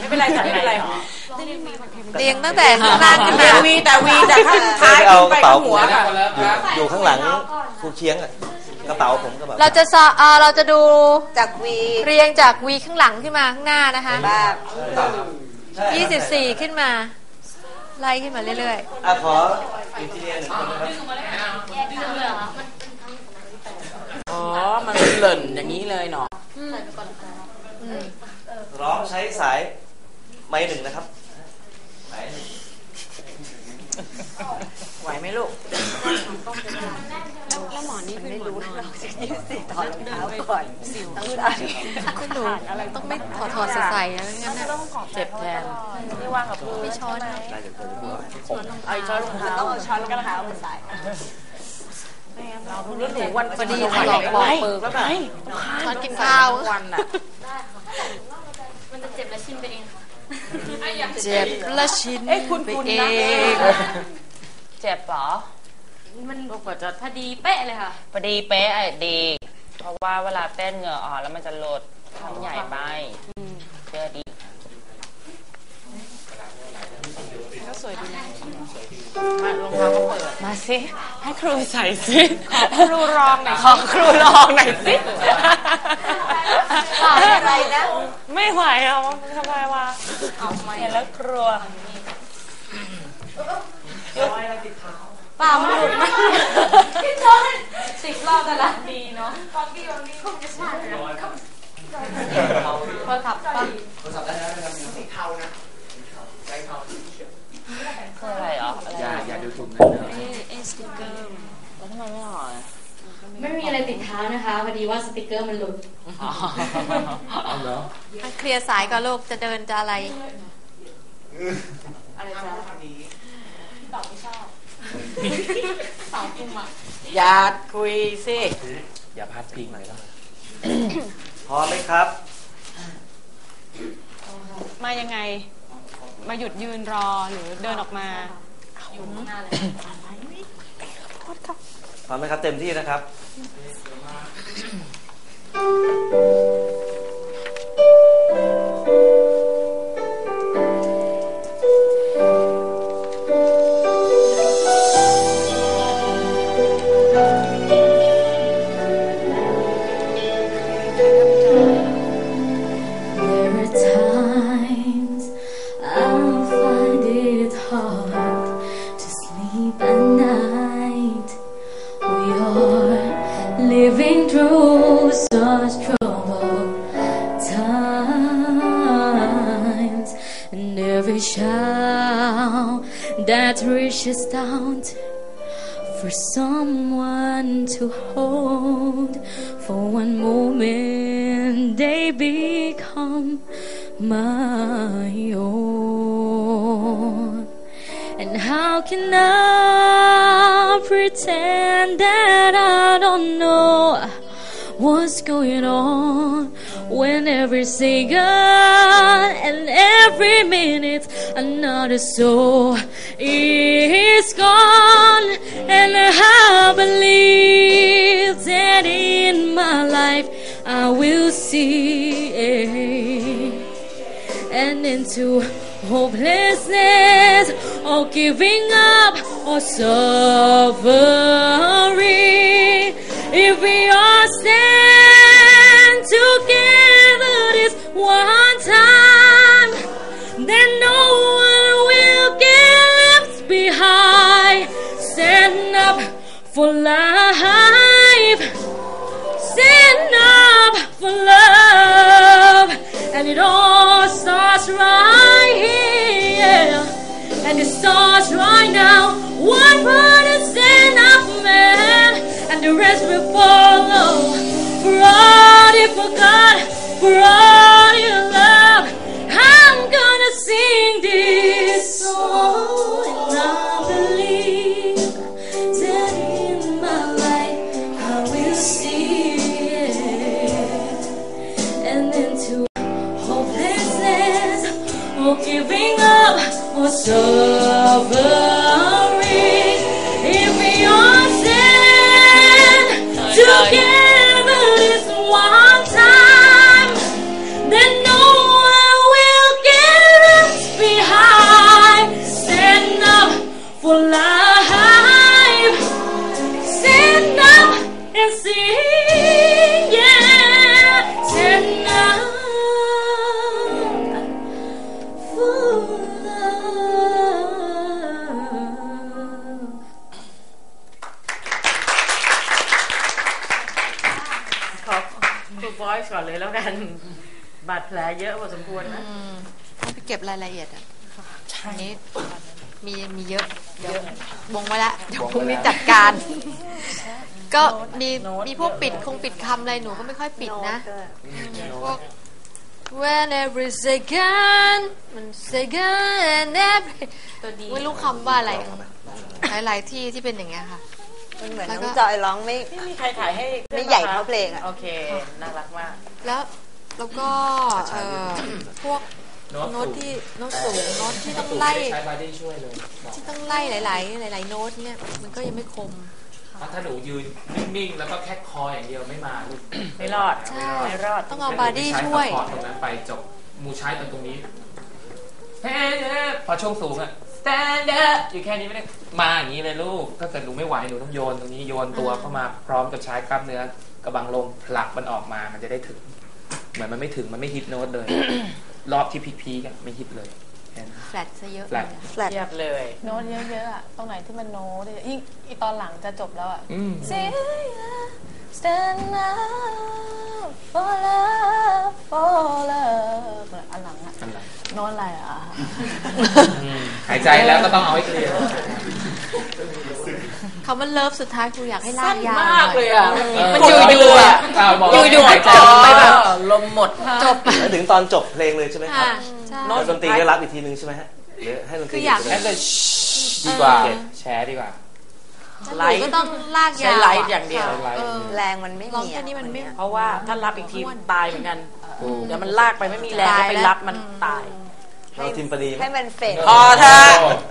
เป็นไรค่ะไม่เป็นไรเรียงตั้งแต่ข้างล่างขึ้นมาวีแต่ข้างท้ายไปข้างหัวอยู่ข้างหลังครูเคียงกระเป๋าผมกระเป๋าเราจะดูจากวีเรียงจากวีข้างหลังขึ้นมาข้างหน้านะคะ24ขึ้นมาไล่ขึ้นมาเรื่อยๆขออินทีเรียหนึ่งคนนะครับอ๋อมันหล่นอย่างนี้เลยเนาะร้องใช้สายไม้หนึ่งนะครับไหวไหมลูกแล้วหมอนี่ไม่รู้เราจะยืดสิถอดรองเท้าก่อนสิวขึ้นไม่รู้ต้องไม่ถอดใส่นะงั้นนะเจ็บแทนไม่ว่างกับไม่ช้อนไอ้ช้อนรองเท้าต้องเอาช้อนรองเท้ามาใส่เราเรื่องหนูวันพอดีหลอกบอกเปิดแล้วแบบช้อนกินข้าววันน่ะมันจะเจ็บและชินไปเองค่ะเจ็บและชินไปเองเจ็บเหรอมันกว่าจะพอดีเป๊ะเลยค่ะพอดีเป๊ะดีเพราะว่าเวลาเต้นเหงื่อออกแล้วมันจะลดทำใหญ่ไปเชื่อดีก็สวยดีนะมารองเท้าก็เปิดมาสิให้ครูใส่สิครูรองหน่อยขอครูรองหน่อยสิอะไรนะไม่ไหวอ่ะทำไมวะเห็นแล้วครัวเปล่ามันหลุดมาพี่ชน10 รอบแต่ละดีเนาะฟังดีคงจะใช่พอขับป่ะได้นะครับสีเทานะใจเทาคืออะไรอ๋ออย่าดูถูกนะสติ๊กเกอร์แล้วทำไมไม่ห่อไม่มีอะไรติดเท้านะคะพอดีว่าสติ๊กเกอร์มันหลุดเอาเหรอเคลียร์สายก่อนลูกจะเดินจะอะไรจ๊ะตอบไม่ชอบสาวกุมอ่ะอย่าคุยสิอย่าพลาดพิงเลยแล้วพอไหมครับมายังไงมาหยุดยืนรอหรือเดินออกมาอยู่ข้างหน้าเลยพร้อมไหมครับเต็มที่นะครับ that reaches down for someone to hold. For one moment they become my own. And how can I pretend that I don't know what's going on when every second and every minute another soul is gone? And I believe that in my life I will see an end to hopelessness or giving up or suffering. If we all stand together this one time, then no one will get left behind. Stand up for life, stand up for love, and it all starts right here, and it starts right now. One brother stand up, man, and the rest will follow. For all you forgot, for all you love, I'm gonna sing this song, and I believe that in my life I will see it, and into hopelessness or giving up or suffering. If we all stand together this one time, then no one will get เลยแล้วกันบาดแผลเยอะพอสมควรนะต้องไปเก็บรายละเอียดอ่ะอันนี้มีเยอะเดี๋ยววงไว้ละเดี๋ยวพรุ่งนี้จัดการ ก็มีพวกปิดคำอะไรหนูก็ไม่ค่อยปิดนะพวก when every second มัน second and every ไม่รู้คำว่าอะไรหลายๆที่เป็นอย่างเงี้ยค่ะมันเหมือนน้องจอยร้องไม่มีใครถ่ายให้ไม่ใหญ่เท่าเพลงอ่ะโอเคน่ารักมากแล้วก็พวกโน้ตที่โน้ตสูงโน้ตที่ต้องไล่ที่ต้องไล่หลายโน้ตเนี่ยมันก็ยังไม่คมถ้าหนูยืนนิ่งๆแล้วก็แค่คออย่างเดียวไม่มาลูกไม่รอดไม่รอดต้องเอาบอดี้ช่วยตรงนั้นไปจบมูใช้ตรงนี้พอช่วงสูงอะ stand up อยู่แค่นี้ไม่ได้มาอย่างนี้เลยลูกถ้าเกิดหนูไม่ไหวหนูต้องโยนตรงนี้โยนตัวเข้ามาพร้อมกับใช้กล้ามเนื้อกระบังลมผลักมันออกมามันจะได้ถึงเหมือนมันไม่ถึงมันไม่ฮิตโน้ตเลย รอบที่พีคๆไม่ฮิตเลยแฟลตซะเยอะแฟลตเยอะเลยโน้ตเยอะๆอ่ะตรงไหนที่มันโน้ตอีตอนหลังจะจบแล้วอ่ะ Stand up for love for love อันหลังอ่ะโน้ตอะไรอ่ะหายใจแล้วก็ต้องเอาให้เคลียร์คำว่าเลิฟสุดท้ายครูอยากให้ลากยาวมากเลยอ่ะมันอยู่ๆอ่ะอยู่ๆก็จบไปแบบลมหมดจบถึงตอนจบเพลงเลยใช่ไหมครับแล้วดนตรีก็รับอีกทีนึงใช่ไหมฮะหรือให้ดนตรีอยากให้เลยดีกว่าแชร์ดีกว่าไลฟ์ก็ต้องลากยาวใช้ไลฟ์อย่างเดียวแรงมันไม่มีเพราะว่าถ้ารับอีกทีตายเหมือนกันเดี๋ยวมันลากไปไม่มีแรงไปรับมันตายเราทีมปณีให้มันเฟดพอเถอะ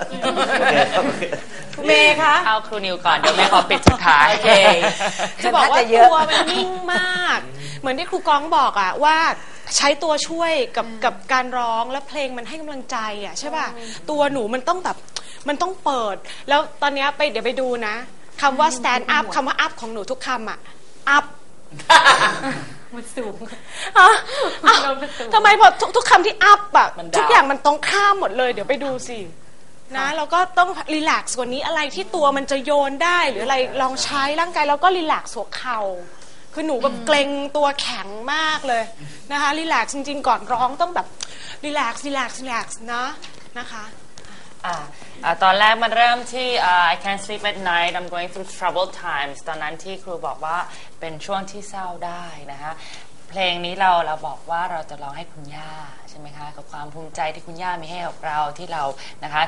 เมย์คะเอาครูนิวก่อนเดี๋ยวแม่ขอปิดสุดท้ายจะบอกว่าตัวมันนิ่งมากเหมือนที่ครูก้องบอกอ่ะว่าใช้ตัวช่วยกับการร้องแล้วเพลงมันให้กำลังใจอ่ะใช่ป่ะตัวหนูมันต้องแบบมันต้องเปิดแล้วตอนนี้เดี๋ยวไปดูนะคำว่า stand up คำว่า up ของหนูทุกคำอ่ะ up มันสูงทำไมพอทุกคำที่ up อะทุกอย่างมันตรงข้ามหมดเลยเดี๋ยวไปดูสินะเราก็ต้องรีแลกซ์กว่านี้อะไรที่ตัวมันจะโยนได้หรืออะไรลองใช้ร่างกายแล้วก็รีแลกซ์หัวเข่าคือหนูแบบเกรงตัวแข็งมากเลยนะคะรีแลกซ์จริงๆก่อนร้องต้องแบบรีแลกซ์นะคะตอนแรกมันเริ่มที่ I can't sleep at night I'm going through troubled times ตอนนั้นที่ครูบอกว่าเป็นช่วงที่เศร้าได้นะคะเพลงนี้เราบอกว่าเราจะร้องให้คุณย่าใช่ไหมคะกับความภูมิใจที่คุณย่ามีให้กับเราที่เรานะคะ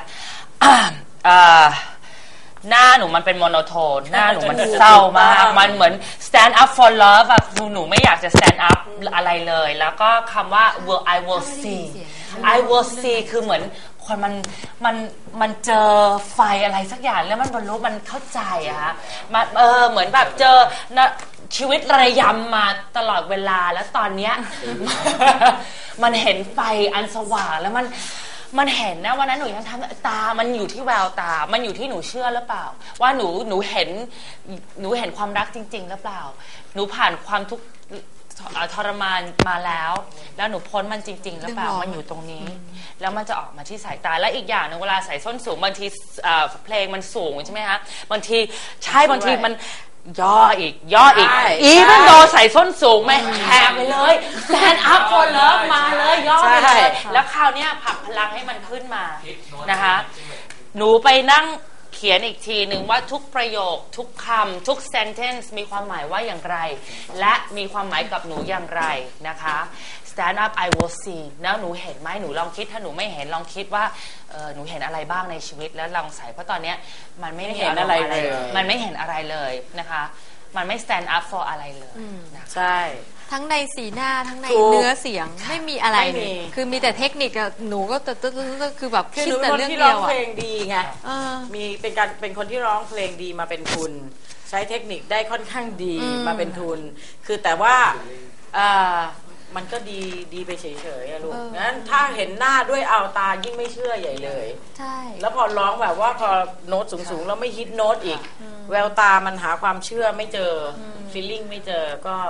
หน้าหนูมันเป็นโมโนโทนหน้าหนูมันเศร้ามากมันเหมือน stand up for love แบบหนูไม่อยากจะ stand up อะไรเลยแล้วก็คำว่า I will see คือเหมือนคนมันเจอไฟอะไรสักอย่างแล้วมันบรรลุมันเข้าใจอะฮะมันเหมือนแบบเจอชีวิตระยำมาตลอดเวลาแล้วตอนเนี้ย มันเห็นไฟอันสว่างแล้วมันเห็นนะวันนั้นหนูยังทำตามันอยู่ที่แววตามันอยู่ที่หนูเชื่อหรือเปล่าว่าหนูเห็นความรักจริงๆหรือเปล่าหนูผ่านความทุกข์ทรมานมาแล้วหนูพ้นมันจริงๆหรือเปล่ามันอยู่ตรงนี้แล้วมันจะออกมาที่สายตาและอีกอย่างนึงเวลาใส่ส้นสูงบางทีเพลงมันสูงใช่ไหมคะบางทีบางทีมันย่ออีกมันโดนใส่ส้นสูงไหมแหกไปเลย stand up for love มาเลยย่อไปเลยแล้วคราวนี้ผลักพลังให้มันขึ้นมานะคะหนูไปนั่งเขียนอีกทีหนึ่งว่าทุกประโยคทุกคำทุก sentence มีความหมายว่าอย่างไรและมีความหมายกับหนูอย่างไรนะคะ stand up I will see แล้วหนูเห็นไหมหนูลองคิดถ้าหนูไม่เห็นลองคิดว่าหนูเห็นอะไรบ้างในชีวิตแล้วลองใส่เพราะตอนนี้มันไม่เห็นอะไรเลยมันไม่เห็นอะไรเลยนะคะมันไม่ stand up for อะไรเลยใช่ทั้งในสีหน้าทั้งในเนื้อเสียงไม่มีอะไรคือมีแต่เทคนิคอะหนูก็คือแบบคิดแต่เรื่องเดียวอะเพลงดีไงมีเป็นคนที่ร้องเพลงดีมาเป็นทุนใช้เทคนิคได้ค่อนข้างดีมาเป็นทุนคือแต่ว่ามันก็ดีไปเฉยๆลูกงั้นถ้าเห็นหน้าด้วยเอาตายิ่งไม่เชื่อใหญ่เลยใช่แล้วพอร้องแบบว่าพอโน้ตสูงๆแล้วไม่ฮิตโน้ตอีกแววตามันหาความเชื่อไม่เจอฟีลลิ่งไม่เจอก็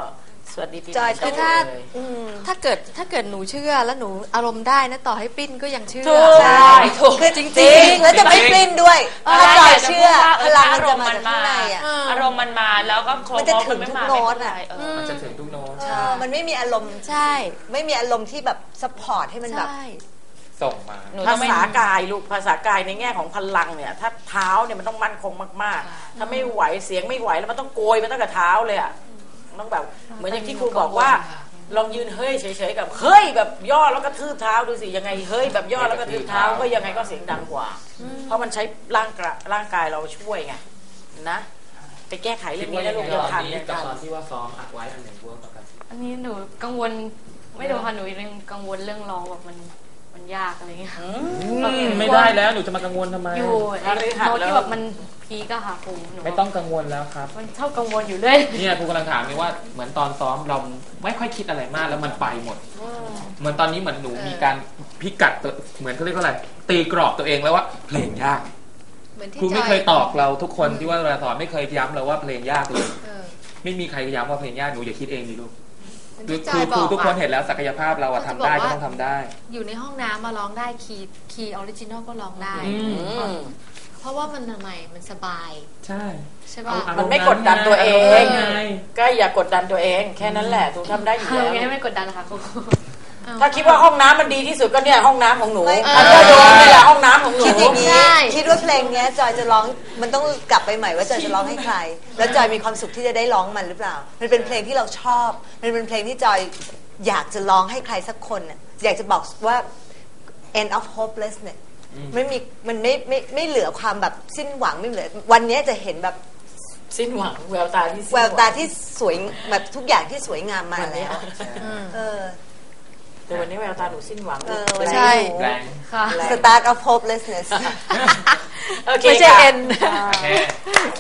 สวัสดีปีจอยใหม่คือถ้าเลยถ้าเกิดหนูเชื่อแล้วหนูอารมณ์ได้นะต่อให้ปิ้นก็ยังเชื่อใช่คือจริงๆแล้วจะไม่ปลิ้นด้วยถ้าจอยเชื่อพลังมันจะมาจากข้างในอ่ะอารมณ์มันมาแล้วก็โครมันจะถึงทุกโน้ตอ่ะอะมันจะถึงทุกโน้ตมันไม่มีอารมณ์ใช่ไม่มีอารมณ์ที่แบบซัพพอร์ตให้มันแบบใช่ส่งมาภาษากายลูกภาษากายในแง่ของพลังเนี่ยถ้าเท้าเนี่ยมันต้องมั่นคงมากๆถ้าไม่ไหวเสียงไม่ไหวแล้วมันต้องโกยมันตั้งแต่เท้าเลยอ่ะต้องแบบเหมือนอย่างที่ครูบอกว่าลองยืนเฮ้ยเฉยๆกับเฮ้ยแบบย่อแล้วก็ทืบเท้าดูสิยังไงเฮ้ยแบบย่อแล้วก็ทืบเท้าก็ยังไงก็เสียงดังกว่า เพราะมันใช้ร่างกายเราช่วยไงนะไปแก้ไขเรื่องนี้นะลูกอย่าทันอย่ากับทันตอนที่ว่าซ้อมอัดไว้อันไหนเวิร์กกันอันนี้หนูกังวลไม่รู้ค่ะหนูยังกังวลเรื่องร้องแบบมันยากอะไรเงี้ยไม่ได้แล้วหนูจะมากังวลทำไมอยู่ไอ้โน้ตที่แบบมันพีกอะค่ะครูหนูไม่ต้องกังวลแล้วครับมันชอบกังวลอยู่เรื่อยเนี่ยครูกำลังถามเลยว่าเหมือนตอนซ้อมเราไม่ค่อยคิดอะไรมากแล้วมันไปหมด เหมือนตอนนี้เหมือนหนูมีการพิกัดตัวเหมือนเขาเรียกว่าอะไรตีกรอบตัวเองแล้วว่าเพลงยากเหมือนที่ครูจไม่อยเคยตอบเราทุกคนที่ว่าเวลาสอนไม่เคยย้ำเราว่าเพลงยากเลยเออไม่มีใครย้ำว่าเพลงยากหนูอย่าคิดเองดิลูกเหมือนคือที่จคอรูยบอกทุกคนอะเห็นแล้วศักยภาพเราอะทำได้ก็ต้องทำได้อยู่ในห้องน้ำมาร้องได้คีย์ออริจินอลก็ร้องได้ เพราะว่ามันทำไมมันสบายใช่ใช่ป่ะมันไม่กดดันตัวเองไงก็อย่ากดดันตัวเองแค่นั้นแหละถูกทำได้อยู่ๆแล้วยังไงไม่กดดันนะคะครูถ้าคิดว่าห้องน้ำมันดีที่สุดก็เนี่ยห้องน้ำของหนูไม่มันก็โดนนี่แหละห้องน้ำของหนูคิดอย่างนี้ใช่คิดว่าเพลงเนี้ยจอยจะร้องมันต้องกลับไปใหม่ว่าจอยจะร้องให้ใคร แล้วจอยมีความสุขที่จะได้ร้องมันหรือเปล่า มันเป็นเพลงที่เราชอบ มันเป็นเพลงที่จอยอยากจะร้องให้ใครสักคนน่ะอยากจะบอกว่า end of hopelessness ไม่มีมันไม่เหลือความแบบสิ้นหวังไม่เหลือวันเนี้ยจะเห็นแบบสิ้นหวังแววตาที่สิ้นแวหวตาที่สวยแบบทุกอย่างที่สวยงามมาวันนี้แล้วเออแต่วันนี้แววตาหนูสิ้นหวังวันนี้ใช่แรงค่ะ start of hopelessness โอเคไม่ใช่ค่ะเอ็นโอเค